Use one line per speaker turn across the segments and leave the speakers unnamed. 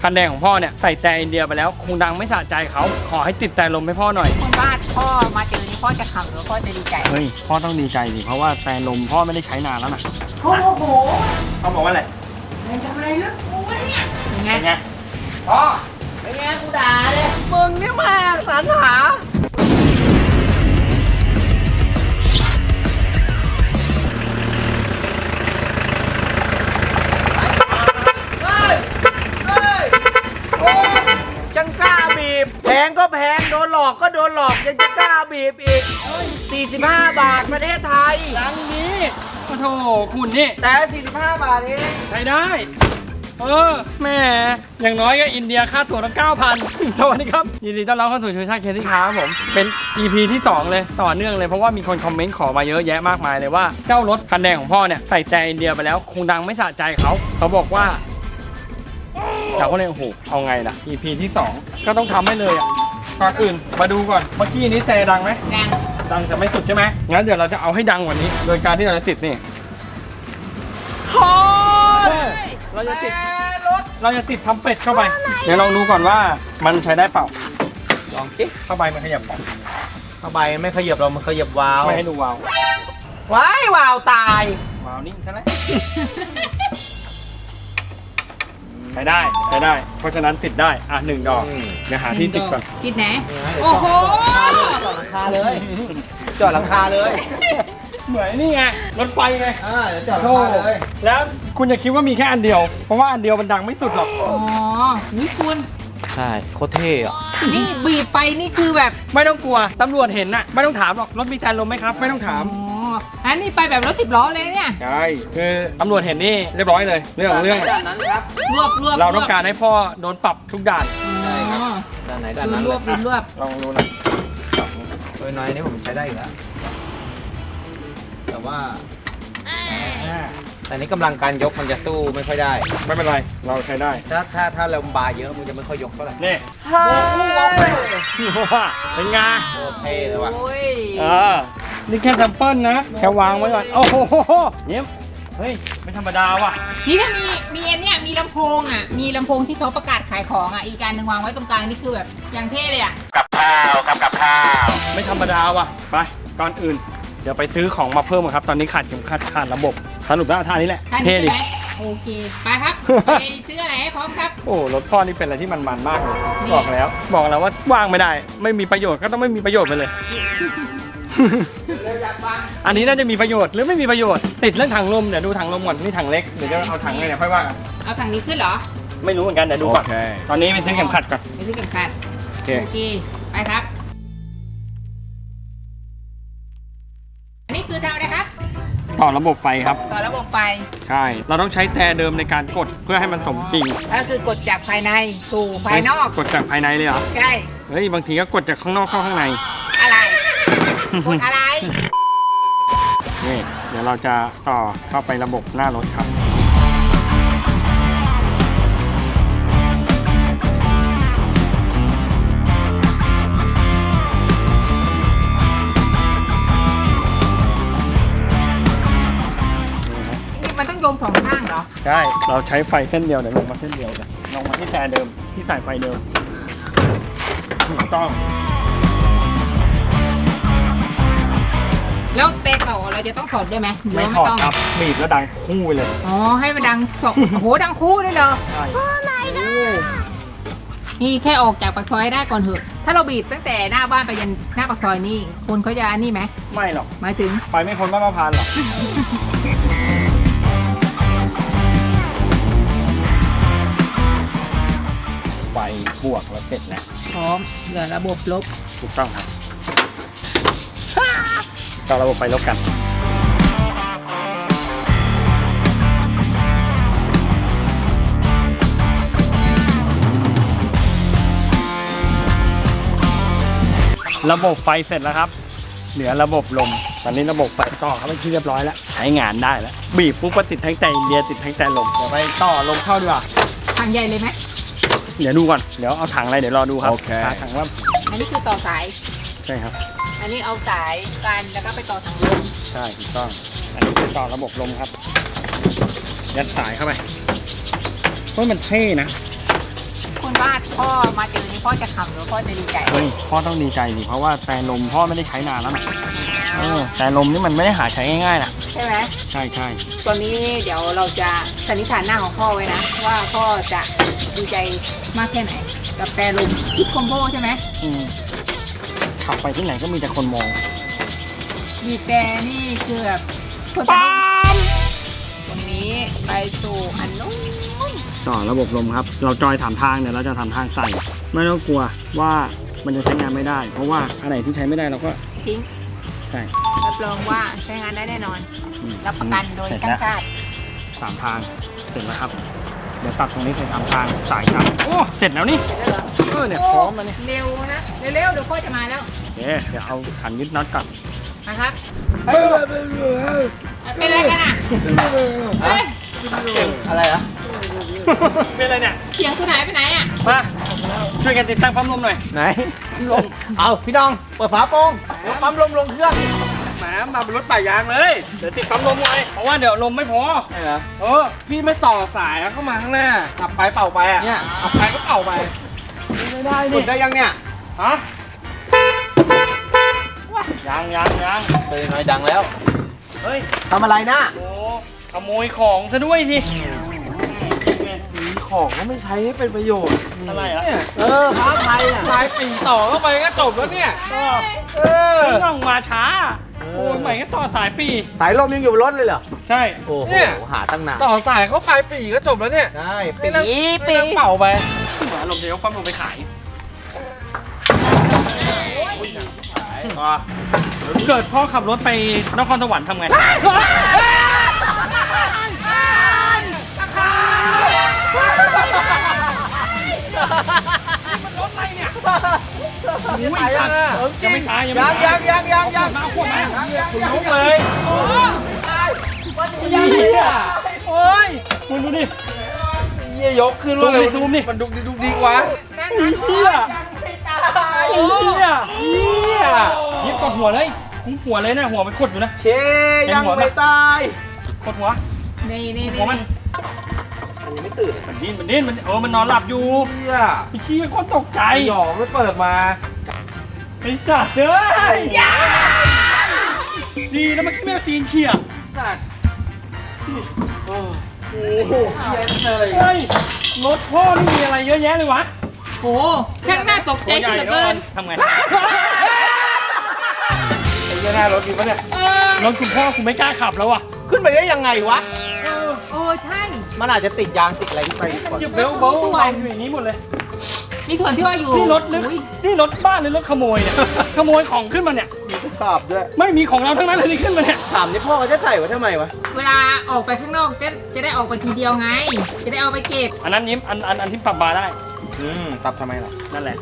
คันแดงของพ่อเนี่ยใส่แต่อินเดียไปแล้วคงดังไม่สะใจเขาขอให้ติดแต่ลมให้พ่อหน่อย
คุณบ้านพ่อมาเจอนี่พ่อจะขำหรือพ่อจะดีใจ
เฮ้ยพ่อต้องดีใจดิเพราะว่าแต่ลมพ่อไม่ได้ใช้นานแล้วนะ
โอ้โห
เขาบอกว่าอะไร
ทำอะไรลูกกูเนี่ยยังไง
เป็นไง
พ่อเป็นไงกูด่าเลยมึงนี่มาสรรหา
จังกล้าบีบแพงก็แพงโดนหลอกก็โดนหลอกยังจะกล้าบีบอีก45 บาทประเทศไทย
ดังนี้โอ้โหคุณนี่
แต่45 บาทเอง
ใช้ได้แม่อย่างน้อยก็อินเดียค่าตั๋วละ 9,000 สวัสดีครับยินดีต้อนรับเข้าสู่ชูชาติเคที่ค้าครับผมเป็น EP ที่ 2 เลยต่อเนื่องเลยเพราะว่ามีคนคอมเมนต์ขอมาเยอะแยะมากมายเลยว่าเจ้ารถคันแดงของพ่อเนี่ยใส่แต่อินเดียไปแล้วคงดังไม่สะใจเขาบอกว่าเราก็เลยโอ้โหเอาไงล่ะ EP ที่ 2 ก็ต้องทำให้เลยอ่ะก่อนอื่นมาดูก่อนเมื่อกี้นี้แต่ดังไหมดังแต่ไม่สุดใช่ไหมงั้นเดี๋ยวเราจะเอาให้ดังกว่านี้โดยการที่เราจะติดนี่เราจะติดทำเป็ดเข้าไปเดี๋ยวลองดูก่อนว่ามันใช้ได้เปล่า
ลองจิ๊
เข้าไปมันขยับกัน
เข้าไปไม่ขยับเรามันขยับวาว
ไม่ให้ดูวาว
วาวตายว
าวนิ่งใช่ไหมใช้ได้เพราะฉะนั้นติดได้1 ดอกเดี๋ยวหาที่ติดก่อน
ติดไหนโอ้โห
จอดหลังคาเลยจอดหลังคาเลย
เหมือนนี่ไงรถไฟไง
เดี๋ยวจอดหลังคาเลย
แล้วคุณจะคิดว่ามีแค่อันเดียวเพราะว่าอันเดียวมันดังไม่สุดหรอก
นี่คุณ
ใช่โคตรเท่อะ
นี่บีบไปนี่คือแบบ
ไม่ต้องกลัวตำรวจเห็นน่ะไม่ต้องถามหรอกรถมีแทนลมไหมครับไม่ต้องถาม
อันนี้ไปแบบรถ10 ล้อเลยเนี่ย
ใช่คือตำรวจเห็นนี่เรียบร้อยเลยเรื่อง
นั้นครับ
รวบ
เราต้องการให้พ่อโดนปรับทุกด่าน
ใช่ครับด่านไหนด่านนั้น
รวบ
ลองดูนะ
ตัวน้อยนี่ผมใช้ได้อยู่แล้วแต่ว่าแต่นี้กำลังการยกมันจะสู้ไม่ค่อยได้
ไม่เป็นไรเราใช้ได้
ถ้าเราบาเยอะมันจะไม่ค่อยยกเท่าไหร่
นี่เป็นไง
เท่เลยว่ะ
นี่แค่แซมเปิลนะแค่วางไว้ก่อนโอ้โหเยี่ยมเฮ้ยไม่ธรรมดาว่ะ
นี่ถ้ามีอันเนี้ยมีลำโพงมีลำโพงที่เขาประกาศขายของอีกการหนึ่งวางไว้ตรงกลางนี่คือแบบอย่างเท่เลย
กับข้าวไม่ธรรมดาว่ะไปก่อนอื่นเดี๋ยวไปซื้อของมาเพิ่มครับตอนนี้ขาดระบบสรุปแล้วท่านี้แหละ
เท่ดิโอเคไปครับไปซื้ออะไรให้พร้อมครับ
โอ้รถพ่อนี่เป็นอะไรที่มันมากเลยบอกแล้วว่าว่างไม่ได้ไม่มีประโยชน์ก็ต้องไม่มีประโยชน์ไปเลยอันนี้น่าจะมีประโยชน์หรือไม่มีประโยชน์ติดเรื่องถังลมเดี๋ยวดูถังลมก่อนนี่ถังเล็กเดี๋ยวจะเอาถังไงเนี่ยค่อยว่ากัน
เอาถังนี้ขึ้นเหรอ
ไม่รู้เหมือนกันเดี๋ยวดูก่อนตอนนี้ไปซื้อเข็มขัดก่อน
ไปซื้อเข็มขัดโอเคไปครับอันนี้คือทำอะไรครับ
ต่อระบบไฟครับ
ต่อระบบไฟ
ใช่เราต้องใช้แต่เดิมในการกดเพื่อให้มันสมจริง
ก็คือกดจากภายในสู่ภายนอก
กดจากภายในเลยเหรอ
ใช่
เฮ้ยบางทีก็กดจากข้างนอกเข้าข้างใน
อะไรกดอะไร
นี่เดี๋ยวเราจะต่อเข้าไประบบหน้ารถครับ
มันต้องโยง2 ข้างเหรอ
ใช่เราใช้ไฟเส้นเดียวเดี๋ยวลงมาเส้นเดียวกันลงมาที่แต่เดิมที่สายไฟเดิมถูกต้อง
แล้วเตะต่อเราจะต้องถอดด้วยไหม
ไม่ถอดครับบีบแล้วดังคู่ไปเลย
ให้มันดังโอ้โหดังคู่ได้เลย
ใช่
นี่แค่ออกจากปากซอยได้ก่อนเถอะถ้าเราบีบตั้งแต่หน้าบ้านไปยันหน้าปากซอยนี่คนเขาจะนี่ไหม
ไม่หรอก
หมายถึง
ไปไม่พ้นบ้านมะพร้าวหรอกไฟบวกแล้วเสร็จแล้ว
พร้อมเหลือระบบลบ
ถูกต้องครับต่อระบบไฟลบกันระบบไฟเสร็จแล้วครับเหลือระบบลมตอนนี้ระบบไฟต่อเขาเป็นที่เรียบร้อยแล้วใช้งานได้แล้วบีบปุ๊บก็ติดทั้งใจอินเดียติดทั้งใจลมเดี๋ยวไปต่อลมเข้าดีกว่า
ถังใหญ่เลยไหม
เดี๋ยวดูก่อนเดี๋ยวเอาถังอะไรเดี๋ยวรอดูครับถังว่า
อันนี้คือต่อสาย
ใช่ครับ
อันนี้เอาสายกันแล้วก็ไปต่อถังลม
ใช่ถูกต้องอันนี้คือต่อระบบลมครับยัดสายเข้าไปเพราะมันเท่นะ
ว่าพ่อมาเจอนี่พ่อจะขำหรือพ่อจะดีใจ
เฮ้ยพ่อต้องดีใจดิเพราะว่าแต่ลมพ่อไม่ได้ใช้นานแล้วนะแต่ลมนี่มันไม่ได้หาใช้ง่ายๆนะ
ใช่ไหม
ใช่ใช่
ตอนนี้เดี๋ยวเราจะสันนิษฐานหน้าของพ่อไว้นะ ว่าพ่อจะดีใจมากแค่ไหน กับแต่ลมทิปคอมโบใช่ไหม
ขับไปที่ไหนก็มีแต่คนมอง
บีบแต่นี่คือแบบคนจะ
ปั๊ม
ตรงนี้ไปสู่อันนู้น
ต่อระบบลมครับ เราจอยถามทางเนี่ยเราจะทำทางใส่ ไม่ต้องกลัวว่ามันจะใช้งานไม่ได้ เพราะว่าอันไหนที่ใช้ไม่ได้เราก็
ทิ้ง
ใช่
รับรองว่าใช้งานได้แน่นอน
อืม
รับประกันโดย
เสร็จ
ช่า
แล้
ง
ว
ชาติ
3 ทางเสร็จแล้วครับ เดี๋ยวตัดตรงนี้เป็น3 ทางสายครับโอ้เสร็จแล้วนี่
เสร็จแล้วเหรอ
เนี่ยพร้อมแล้วนี่
เร็วนะ เร็วๆเดี๋ยวพ่อจะมาแล้ว
เดี๋ยวเอาขันยึดน็อตก่อน
นะครับเป็นอะไรกันอ่ะเฮ้ย
อะไรอะ
เป็นอะไรเนี่ย
เสียงคุณหายไปไหนอ่ะ
มาช่วยกันติดตั้งปั๊มลมหน่อย
ไหนลมเอาพี่น้องเปิดฝาโปร่งเดี๋ยวปั๊มลมลงเครื่อง
แหมมาเป็นรถป่ายางเลยเดี๋ยวติดปั๊มลมไว้เพราะว่าเดี๋ยวลมไม่พอ
ใช่เหรอ
พี่ไม่ต่อสายแล้วเข้ามาข้างหน้าขับไปเป่าไปอ่ะ
เนี่ย
ขับไปก็เป่าไปไม่ได้
หลุ
นี่
ดได้ยังเนี่ย
ฮะยัง
เป็นยังไงดังแล้ว
เฮ้ย
ทำอะไรนะ
โอ้ขโมยของซะด้วยสิ
มีของก็ไม่ใช้ให้เป็นประโยชน์
อะไรอ่ะ
พระไทยอ่ะ
สายปีต่อเข้าไปก็จบแล้วเนี่ยไม่ต้องมาช้าโอ้ยใหม่ก็ต่อสายปี
สายลมยังอยู่บนรถเลยเหรอ
ใช่
โอ้โห
เนี่ย
หาตั้งนาน
ต่อสายเข้าปลายปีก็จบแล้วเนี่ย
ได้
ไม่ต้องเป่าไปเหมือนลมเดียวปั๊มลมไปขาย
อ๋อ
เกิดพ่อขับรถไปนครสวรรค์ทำไงอุ้ยสัตว์ยังไม่ตายยังไม่ตาย
ยัง
มาขวดมา
คุณ
ลุกเลยเฮียโอ้ยคุณดูดิ
เยี่ยยกขึ้น
ซูมดิซูมดิ
มันดุกดิกวะ
เฮียเฮียยิบกดหัวเลยคุ้มหัวเลยนะหัวมันขดอยู่นะ
เชยังไม่ตาย
กดหัว
นี่
หัวมัน
มันไม่ตื่น
มันดิ้นมันนอนหลับอยู่
เชี่ย
ไอ้เชี่ยก็ตกใจ
หยอกไม่เปิดมา
ไอ้สัตว์เอ้ยดีแล้วมันไม่เอาตีนเขี่ยสัตว์โอ้โห
เย็นเลย
เฮ้ยรถพ่อนี่มีอะไรเยอะแยะเลยวะ
โอ้ช่างน่าตกใจขึ้นเหลือเกิน
ทำไง
ไอ้เหี้ยหน้ารถดีปะเนี่ย
รถคุณพ่อคุณไม่กล้าขับแล้วอ่ะ
ขึ้นไปได้ยังไงวะ
ใช่
มันอาจจะติดยางติดอะไรไปก่อน
หยิบเบลเบลวางอยู่อย่างนี้หมดเลย
นี่ส่วนที่ว่าอยู่
นี่รถลึก
อุ๊ย
นี่รถบ้านหรือรถขโมยเนี่ย ขโมยของขึ้นมาเนี่ย
มีทดสอบด้วย
ไม่มีของเราทั้งนั้นเลยที่ขึ้นมาเนี่ย
ถามนี่พ่อเขาจะใส่ไว้ทำไมวะ
เวลาออกไปข้างนอกจะได้ออกไปทีเดียวไง จะได้เอาไปเก็บ
อันนั้นยิ้มอันที่ปรับบาร์ได้
ตับทำไมล่ะ
นั่นแหละ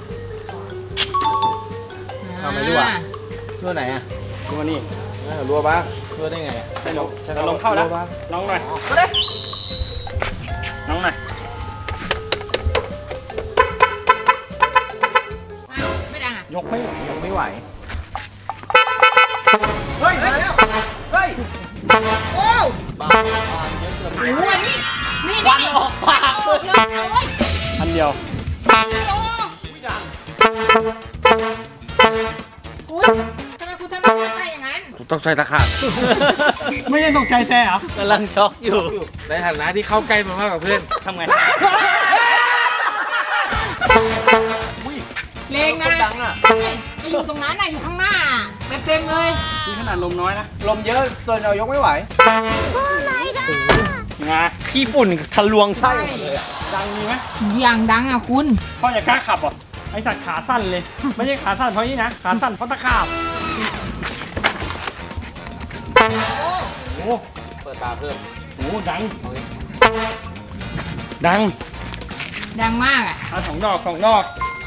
ทำไมรั่ว รั่วไหนอ่ะ
ดูนี่
รั่วบ้างรั่วได้ไงอ่ะ
ใช่ลมลมเข้าแล้ว
รั่บ้าง
น้องหน่อย
ก็ได้
น้องหน่อย
ไม่ดังอ่ะ
ยกไม่ไหว
ยังไม่ไหว เฮ้ยมาแล้วเฮ้ย
โอ้
บ้าเยอะเกิน
โหนี่
ควันออกปาก
ออกเลยโอ้ย
อันเดียว
โอ้ยทำไมคุณทำได้อย่างนั้น
ต้องใช้ตะขาบ
ไม่ได้ตกใจแต่เหรอก
ำลังช็อกอยู่ ในฐานะที่เข้าใกล้มามากกว่าเพื่อน
ทำไง
เลงนะ
ดังอ่ะ
ไปอยู่ตรงนั้นน่ะอยู่ข้างหน้าเต็มเลย
นี่ขนาดลมน้อยนะ
ลมเยอะจนเรายกไม่ไหว
งา
ขี้ฝุ่นทะลวงไส้หมดเลยอะ
ดังมีไหม
อย่างดังอ่ะคุณ
พ่ออย่ากล้าขับอ่ะไอสัตว์ขาสั้นเลย ไม่ใช่ขาสั้นเพราะนี่นะ ขาสั้นเพราะตะขาบโอ้โห
เปิดตาเพิ่ม
โอ้โหดัง ดัง
ดังมากอ่ะ
เอา2 ดอก 2 ดอก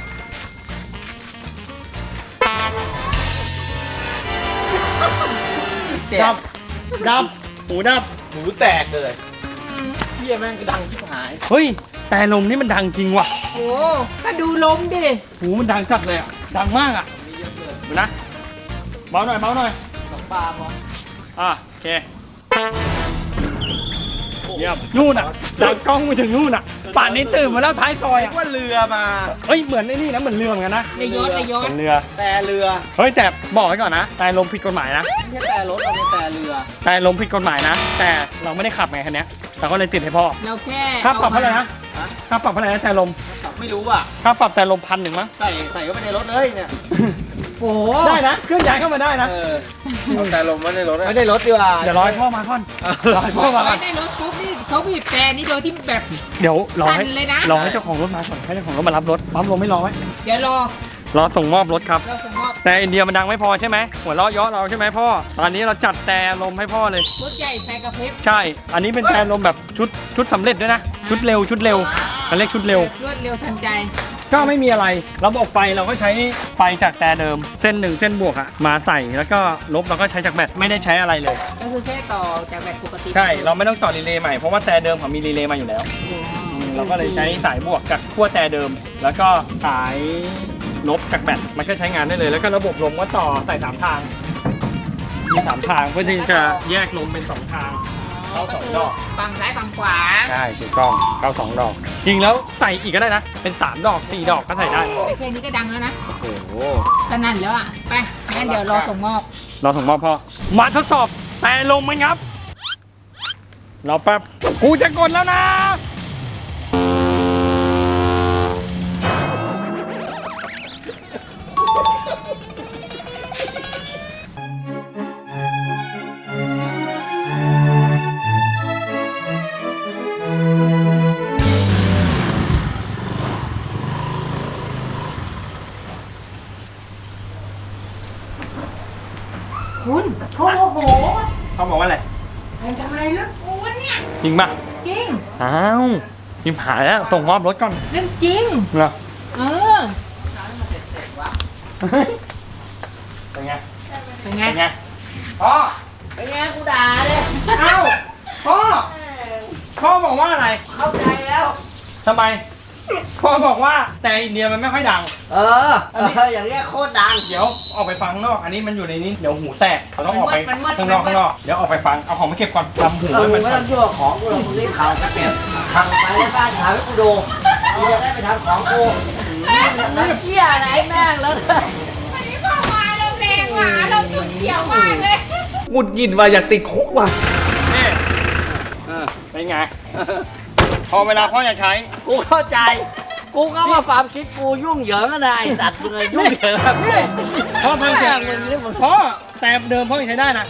เจ็
ดั
บบ
ดับ หูดับ
หูแตกเลยเฮียแม่งก็ดังที่หาย
เฮ้ย แต่ลมนี่มันดังจริงว่ะ
โอ้ก็ดูลมดิ
หูมันดังจัดเลยอ่ะ ดังมากอ่ะดูนะ เบาหน่อย เบาหน่อย
สองปลาพอ
โอเค
โอ้
เยี่ยมนู่นอ่ะดังกล้องไปถึงนู่นอ่ะป่านนี้ตื่นมาแล้วท้ายซอย
นึ
อ่ะ
กว่าเรือมา
เฮ้ยเหมือนไอ้นี่นะเหมือนเรือเหมือนกันนะ
ในยศในย
เห
ศ
มือนเรือ
แต่เรือ
เฮ้ยแต่บอกไว้ก่อนนะแต่ลมผิดกฎหมายนะ
ไม่ใช่แต่รถเราเป็นแต่เรือ
แต่ลมผิดกฎหมายนะ แต่เราไม่ได้ขับไงคันเนี้ยเราก็เลยติดให้พ่อ
เราแค่
ค่าปรับเท่าไหร่นะ
ฮะ
ค่าปรับเท่าไหร่นะแต่ลม
ไม่รู้อ่ะ
ค่าปรับแต่ลม1,100มั้ง
ใส่เข้าไปในรถเลยเนี่ย
โอ้โห
ได้นะเคลื่อนย้ายเข้ามาได้นะ
เอาแต่ลมไม่ได้รถไม่ได้รถดีกว่า
เดี๋ยวรอให้พ่อมาก่อนรอให้พ่อมาก่อน
ในรถปุ๊บนี่เขาบีบแต่นี่โดยที่แบบ
เดี๋ยวรอให้
สั่นเลยนะ
รอให้เจ้าของรถมาก่อนให้เจ้าของรถมารับรถปั๊มลมไม่รอไว้
เดี๋ยวรอ
รอส่งมอบรถครับ
เราส่งมอบ
แต่อินเดียมันดังไม่พอใช่ไหมหัวเราะเยาะเราใช่ไหมพ่อตอนนี้เราจัดแต่ลมให้พ่อเลย
รถใหญ่ใส่กระพริบ
ใช่ อันนี้เป็นแต่ลมแบบชุดสำเร็จด้วยนะชุดเร็วเขาเรียกชุดเร็ว
รวดเร็วทันใจ
ก็ไม่มีอะไรระบบไฟเราก็ใช้ไฟจากแต่เดิม เส้น1เส้นบวกอะมาใส่แล้วก็ลบเราก็ใช้จากแบตไม่ได้ใช้อะไรเลย
ก็คือแค่ต่อจากแบบปกติ
ใช่เราไม่ต้องต่อรีเลย์ใหม่เพราะว่าแต่เดิมเขามีรีเลย์มาอยู่แล้ว เราก็เลยใช้สายบวกกับขั้วแต่เดิม แล้วก็สายลบจากแบตมันก็ใช้งานได้เลย แล้วก็ระบบลมก็ต่อใส่3ทางมี3ทางเพื่อที่จะแยกลมเป็น2ทาง
ก็คือฝั่งซ้ายฝั่งขวา
ใช่ถูกต้องเข้า2ดอก จริงแล้วใส่อีกก็ได้นะเป็น3ดอก4ดอกก็ใส่ได้
แต่แค่นี้ก็ดังแล้วนะ
โอ้โห
สนั่นแล้วอ่ะไปงั้นเดี๋ยวรอส่งมอบ
เราส่งมอบพ่อมาทดสอบแต่ลมมันครับรอแป๊บกูจะกดแล้วนะ
คุณเขาโมโห
เขาบอกว่าอะไร
ใครทำอะไรรถกูวะเนี่ย
จริงปะ
จริง
อ้าวพิมหายแล้วส่งมอบรถก่อน
เรื่องจริง
เหรอ
เออ
เป็นไง
เป็นไง
เป็นไงพ่อ
เป็นไงกูด่าเลย
เอ้าพ่อพ่อบอกว่าอะไร
เข้าใจแล้ว
ทำไมพ่อบอกว่าแต่อินเดียมันไม่ค่อยดัง
เอออย่างเงี้ยโคตรดัง
เดี๋ยวออกไปฟังข้างนอก อันนี้มันอยู่ในนี้ เดี๋ยวหูแตกเราต้องออกไปข้างนอกเดี๋ยวออกไปฟัง เอาของมาเก็บก่อนทำหู
เออ
ให้
มึ
มั
ง
น
ไม่ต้องยั่วของกูหรอกมึงรีบข่าวจะเก็บทำไปในบ้านถ่ายให้กูดูกูจะได้ไปทำของกูน้ำเชี่ยอะไรแม่งแล้ว
วันนี้พ่อมาเราแดงหมาเราจุดเขียวมากเลย
หงุดหงิดว่ะอยากติดคุกว่ะ
นี่เป็นไง พอเวลาพ่อจะใช้
กูเข้าใจ กูก็ว่าความคิดกูยุ่งเหยิงอะไรตัดเลยยุ่งเหยิงแบบ
พ่อฟังเสียง
มึงนี่มึง
พ่อแต่เดิมพ่อยังใช้ได้นะ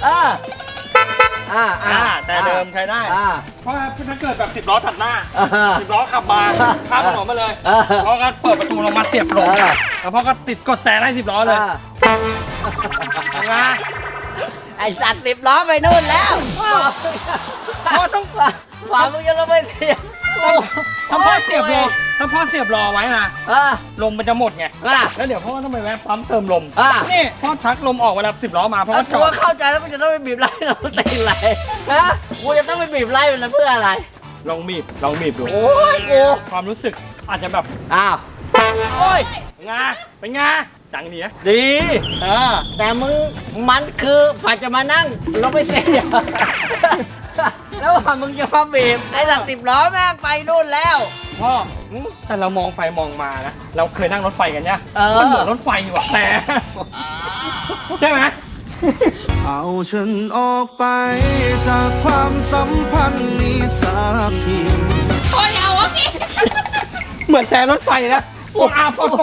แต่เดิมใช้ได้ เพราะถ้าเกิดแบบ10 ล้อตัดหน้า 10 ล้อขับมาข้ามถนนมาเลยพ่อก็เปิดประตูลงมาเสียบลงแล้วพ่อก็ติดกดแต่ได้10 ล้อเลยเป็นไง
ไอ้สัตว์10 ล้อไปนู่นแล้ว
พ่อต้อง
ฝ่ามึงยังก็ไม่เสีย
ถ้าพ่อเสียบรอถ้าพ่อเสียบรอไว้นะ
อ่า
ลมมันจะหมดไง
อ่า
แล้วเดี๋ยวพ่อต้องไปแวะปั๊มเติมลม
อ่ะ
นี่พ่อชักลมออกเวลา10 ล้อมาเพราะว่าจ
กู
อ
ก็
ด
เข้าใจแล้วกูจะต้องไปบีบไล่เราตีไรฮะกูจะต้องไปบีบไล่มันเพื่ออะไร
ลองบีบดู
โอ้ยกู
ความรู้สึกอาจจะแบบ
อ้าว
โอ้ยเป็นไงเป็นไงจังดีนะดี
แต่มึงมันคือฝ่ายจะมานั่งเราไม่เสียแล้วว่ามึงจะมาบีบไอ้สัตว์10 ล้อแม่งไปนู่นแล้ว
พ่อแต่เรามองไปมองมานะเราเคยนั่งรถไฟกันเนี่ย
เออ
มันเหมือนรถไฟว่ะแต่ใช่ไหม
เอาฉันออกไปจากความสัมพันธ์นี้สักที
โอ้ยเอาสิ
เหมือนแต่รถไฟนะปดปด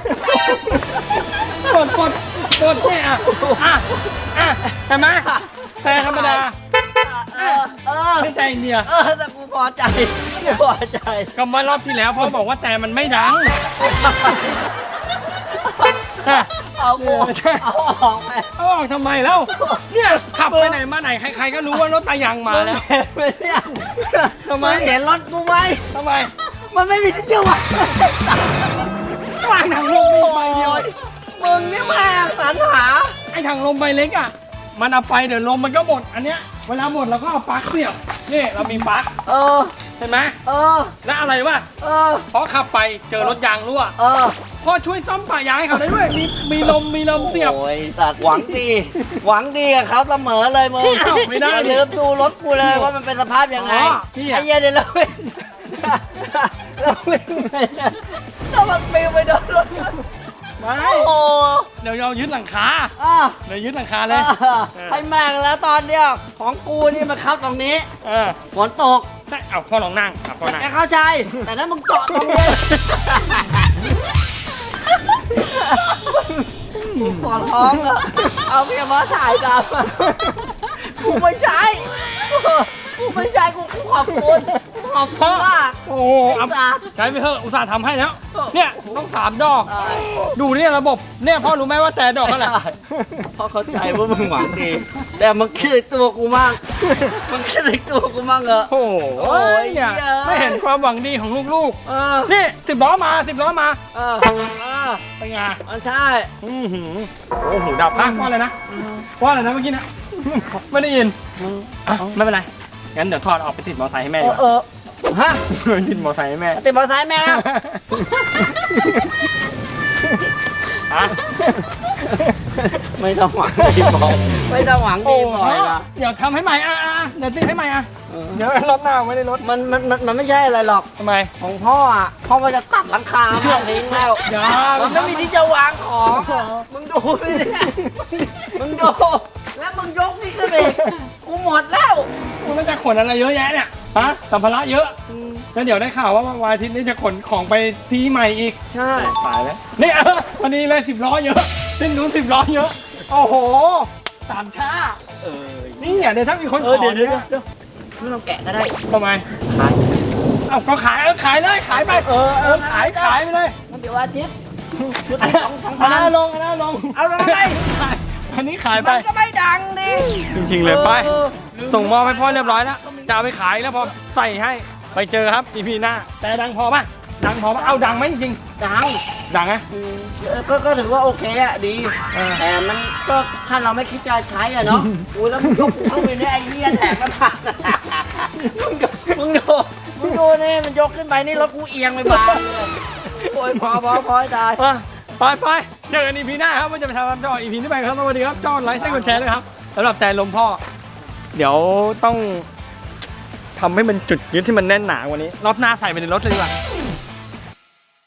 เนี่ยเห็นไหมแต่ธรรมดา ไม่แต่อินเดีย
แต่กูพอใจกูพอใจ
ก็มารอบที่แล้วพ่อบอกว่าแต่มันไม่ดัง
เอากูเอาออกไป
เอาออกทำไมแล้ว เนี่ยขับไปไหนมาไหนใครๆก็รู้ว่ารถตายังมาแล้ว
เห็นไหมเนี่ย
ทำไม
งเห็นรถกูไหม
ทำไม
มันไม่มีที่จะวาง
วางถังลมมีใบเดียว
มึงนี่แม่งสรรหา
ไอ้ถังลมใบเล็กอ่ะ มันเอาไปเดี๋ยวลมมันก็หมด อันเนี้ยเวลาหมดเราก็เอาปลั๊กเสียบ นี่เรามีปลั๊ก
เออ
เห็นไหม
เออ
แล้วอะไรวะ
เออ
พอขับไปเจอรถยางรั่ว
เออ
พ่อช่วยซ่อมปะยางให้เขาได้ด้วยมีลมเสียบ
โอ้ยสัตว์หวังดี หวังดีกับเขาเสมอเลยมึง
อ้าวไม่ได้
อย่าลืมดูรถกูเลยว่ามันเป็นสภาพยังไง
อ๋อพี่อะ
ไอ้เหี้ยเดี๋ยวเราวิ่งเราวิ่งไปเนี่ยเรามันปิวไปโดนรถ
ไม่
โอ้
เดี๋ยวเรายึดหลังคา
อ่ะ
เดี๋ยวยึดหลังคาเลย
ให้แม่งแล้วตอนเนี้ยของกูนี่มาเข้าตรงนี้
เออ
ฝนตก
ได้เอาพ่อลองนั่งพ่อนั่ง
แกเข้าใจ แต่นั้นมึงเจาะตรงนี้ขอร้องอะเอาเมียมาถ่ายตามมากูไม่ใช่กูไม่ใช่กูขอบคุณขอบคุณมาก
โอ้โหเอา
อุตส่าห์
ใช้ไปเถอะอุตส่าห์ทำให้แล้ว เนี่ยต้อง3 ดอก
ตาย
ดูเนี่ยระบบเนี่ยพ่อรู้ไหมว่าแต่ดอกเท่าไหร่
เพราะเข้าใจว่ามึงหวังดี แต่มึงคิดถึงตัวกูมั่งมึงคิดถึงตัวกูมั่งเหรอ
โอ้โห
โอ้ย
เนี่ย
เหี้ย
ไม่เห็นความหวังดีของลูก
เออ
ๆนี่10 ล้อมา10 ล้อมา
เออเออ
เป็นไง
มันใช่
อื้อหือโอ้โหดับพักว่าอะไรนะว่าอะไรนะเมื่อกี้นะไม่ได้ยินอ่ะไม่เป็นไรงั้นเดี๋ยวถอดออกไปติดมอเตอร์ไซค์ให้แม่ดีกว่า
ฮะ
ติดมอเตอร์ไซค์ให้แม่
ติดมอเตอร์ไซค์แม่ครับ
อ่ะ
ไม่ต้องหวังดีบ่อยไม่ต้องหวังดีบ่อยนะ
เดี๋ยวทำให้ใหม่เดี๋ยวติดให้ใหม่เดี๋ยวรถหน้าไม่ได้รถ
มันไม่ใช่อะไรหรอก
ทำไม
ของพ่ออ่ะพ่อมันจะตัดหลังคาแม่งทิ้งแล้ว
อย่า
มันไม่มีที่จะวางของมึงดูดิเนี่ยมึงดูแล้วมึงยกนี่ขึ้นไปอีกกูหมดแล้ว
คุณมันจะขนอะไรเยอะแยะเนี่ยฮะสัมภาระเยอะแล้วเดี๋ยวได้ข่าวว่าวันอาทิตย์นี้จะขนของไปที่ใหม่อีก
ใช่
ตายแล้วนี่วันนี้เลย10 ล้อเยอะเส้นนู้น10 ล้อเยอะโอ้โห3 ชานี่เดี๋ยวถ้ามีคนขอ
เดี๋ยว
เนี่ย
ไม่ต้องแกะก็ได้
ทำไม
ขาย
เอาก็ขายขายเลยขายไปขายไปเลย
มันเดี๋ยวอาทิตย์ชุด
อัน
ที่สองพัน
นั้นลง
เอาลงไป
อันนี้ขายไป
มันก็ไม่ดังดิ
จริงๆเลยไปส่งมอบให้พ่อเรียบร้อยแล้วจะเอาไปขายแล้วพอใส่ให้ไปเจอครับ EP หน้าแต่ดังพอป่ะดังพอป่ะเอาดังไหมจริง
ดัง
ดังไหม
ก็ถือว่าโอเคอะดี แต่มันก็ถ้าเราไม่คิดจะใช้อะเนาะอุ้ยแล้วมึงยกเข้าไปเนี่ยไอ้เหี้ยแหลกมันผ่านมึงดูนี่มันยกขึ้นไปนี่รถกูเอียงไปบ้างเลยโอ้ยพอให้ตาย
ไปเจอกัน EP หน้าครับว่าจะไปทำจอ EP ที่ไปครับสวัสดีครับจอไลค์ใช้กดแชร์ด้วยครับสำหรับแต่ลมพ่อ เดี๋ยวต้องทำให้มันจุดยึดที่มันแน่นหนากว่านี้รอบหน้าใส่ไปในรถเลยดีกว่า